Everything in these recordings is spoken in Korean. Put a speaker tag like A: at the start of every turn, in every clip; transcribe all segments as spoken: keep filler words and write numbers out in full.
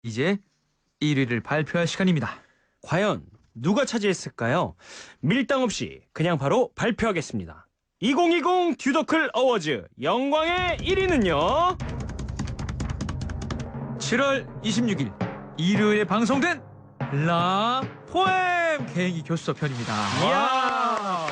A: 이제 일 위를 발표할 시간입니다.
B: 과연 누가 차지했을까요? 밀당 없이 그냥 바로 발표하겠습니다. 이천이십 듀더클 어워즈 영광의 일 위는요.
A: 칠월 이십육일 일요일에 방송된 라 포엠 개인기 교수서 편입니다.
B: 이야.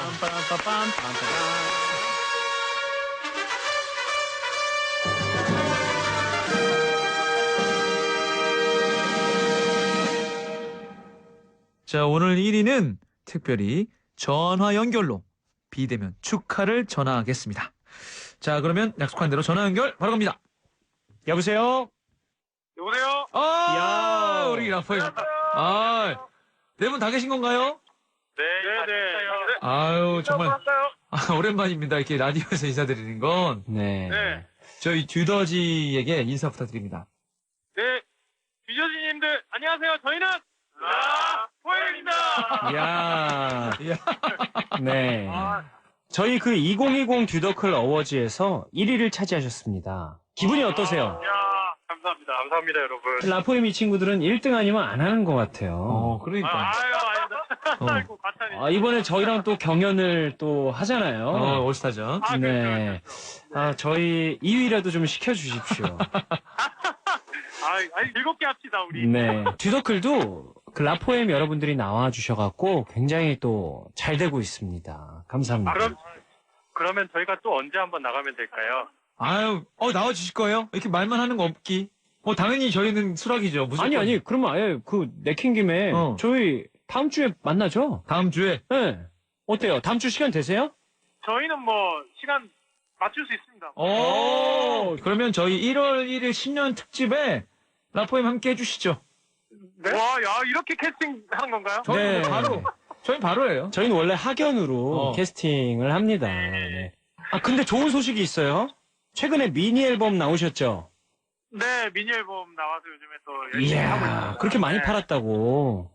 A: 자, 오늘 일 위는 특별히 전화 연결로 비대면 축하를 전하겠습니다. 자, 그러면 약속한 대로 전화 연결 바로 갑니다.
B: 여보세요?
C: 여보세요?
A: 아,
B: 야.
A: 우리 라포엠. 아, 네 분 다 계신 건가요?
C: 네, 네, 네.
A: 아유, 정말
C: 할까요?
A: 아, 오랜만입니다. 이렇게 라디오에서 인사드리는 건.
B: 네.
C: 네.
A: 저희 듀더지에게 인사 부탁드립니다.
C: 네. 듀저지님들, 안녕하세요. 저희는 라 포엠입니다.
B: 이야.
A: 이야.
B: 네.
C: 아,
B: 저희 그 이천이십 듀더클 어워즈에서 일 위를 차지하셨습니다. 기분이 어떠세요?
C: 야, 감사합니다. 감사합니다, 여러분.
B: 라포엠 이 친구들은 일 등 아니면 안 하는 것 같아요.
A: 어,
C: 아,
A: 그러니까.
C: 아유, 아닙니다.
A: 어.
C: 아이고, 과찬이.
B: 아, 이번에 저희랑 또 경연을 또 하잖아요.
A: 어, 올스타전.
C: 아,
B: 네.
C: 그렇죠, 그렇죠.
B: 아, 저희 이 위라도 좀 시켜주십시오.
C: 아, 아니, 즐겁게 합시다, 우리.
B: 네. 듀더클도 그 라포엠 여러분들이 나와주셔갖고 굉장히 또 잘 되고 있습니다. 감사합니다.
C: 아, 그럼, 그러면 저희가 또 언제 한번 나가면 될까요?
A: 아유, 어, 나와주실 거예요? 이렇게 말만 하는 거 없기. 어, 당연히 저희는 수락이죠. 무조건.
B: 아니, 아니, 그러면 아예 그 내킨 김에
A: 어.
B: 저희 다음 주에 만나죠?
A: 다음 주에.
B: 네. 어때요? 다음 주 시간 되세요?
C: 저희는 뭐, 시간 맞출 수 있습니다.
A: 오, 그러면 저희 일월 일일 신년 특집에 라포엠 함께 해주시죠.
C: 네? 와, 야, 이렇게 캐스팅 하는 건가요?
A: 저희는
B: 네.
A: 바로, 저희 바로예요.
B: 저희는 원래 학연으로
A: 어.
B: 캐스팅을 합니다. 네. 아, 근데 좋은 소식이 있어요. 최근에 미니 앨범 나오셨죠?
C: 네, 미니 앨범 나와서 요즘에 또 열심히 하고
B: 이야,
C: 있습니다.
B: 그렇게 많이
C: 네.
B: 팔았다고.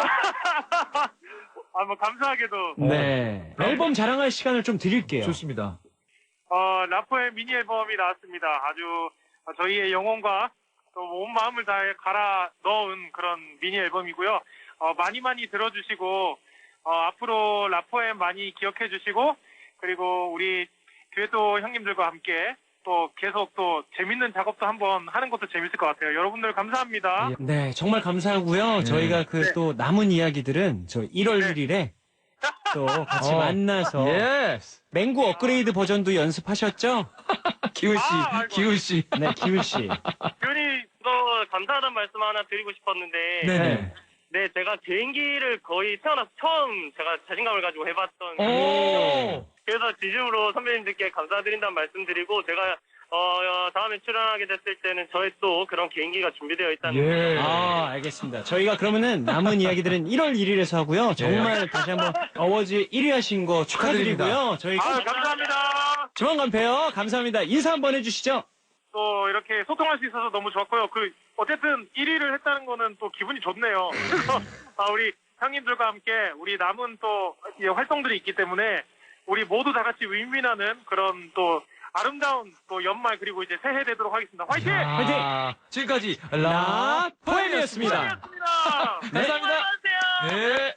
C: 아, 뭐, 감사하게도.
B: 네. 앨범 자랑할 시간을 좀 드릴게요.
A: 좋습니다.
C: 어, 라포의 미니 앨범이 나왔습니다. 아주 저희의 영혼과 또 온 마음을 다해 갈아 넣은 그런 미니 앨범이고요. 어, 많이 많이 들어주시고, 어, 앞으로 라포엠 많이 기억해 주시고, 그리고 우리 듀엣도 형님들과 함께 또 계속 또 재밌는 작업도 한번 하는 것도 재밌을 것 같아요. 여러분들 감사합니다.
A: 예.
B: 네, 정말 감사하고요.
A: 네.
B: 저희가 그 또 남은 이야기들은 저 일월
C: 네.
B: 일일에 또 같이
A: 어.
B: 만나서
A: 예스.
B: 맹구 업그레이드 버전도 연습하셨죠?
A: 기훈씨,
C: 아, 아이고.
A: 기훈씨.
B: 네, 기훈 씨.
D: 교훈이 또 감사하다는 말씀 하나 드리고 싶었는데
A: 네네.
D: 네 제가 개인기를 거의 태어나서 처음 제가 자신감을 가지고 해봤던
A: 오.
D: 그래서 진심으로 선배님들께 감사드린다는 말씀 드리고 제가 어, 어, 다음에 출연하게 됐을 때는 저의 또 그런 개인기가 준비되어 있다는
A: 예.
B: 아, 알겠습니다. 저희가 그러면은 남은 이야기들은 일월 일일에서 하고요. 정말 다시 한번 어워즈 일 위 하신 거 축하드리고요. 저희
C: 아, 감사합니다.
B: 조만간 봬요. 감사합니다. 인사 한번 해주시죠.
C: 또 이렇게 소통할 수 있어서 너무 좋았고요. 그 어쨌든 일 위를 했다는 거는 또 기분이 좋네요. 그래서 아, 우리 형님들과 함께 우리 남은 또 이 활동들이 있기 때문에 우리 모두 다 같이 윈윈하는 그런 또 아름다운 또 연말 그리고 이제 새해 되도록 하겠습니다. 화이팅!
A: 아, 지금까지
B: 라 포엠이었습니다.
C: 고맙습니다.
A: 네. 감사합니다.
C: 안녕하세요.
A: 네.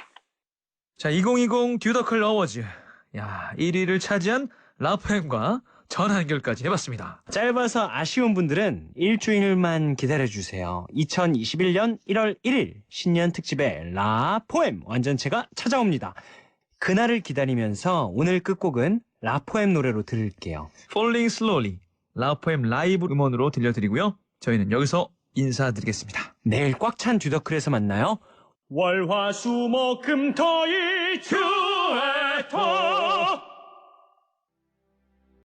A: 자, 이천이십 듀더클 어워즈. 야, 일 위를 차지한 라포엠과 전화 연결까지 해봤습니다.
B: 짧아서 아쉬운 분들은 일주일만 기다려주세요. 이천이십일 년 일월 일일 신년 특집의 라 포엠 완전체가 찾아옵니다. 그날을 기다리면서 오늘 끝곡은 라포엠 노래로 들을게요.
A: Falling Slowly, 라포엠 라이브 음원으로 들려드리고요. 저희는 여기서 인사드리겠습니다.
B: 내일 꽉 찬 듀더클에서 만나요. 월화수목금토일 듀엣토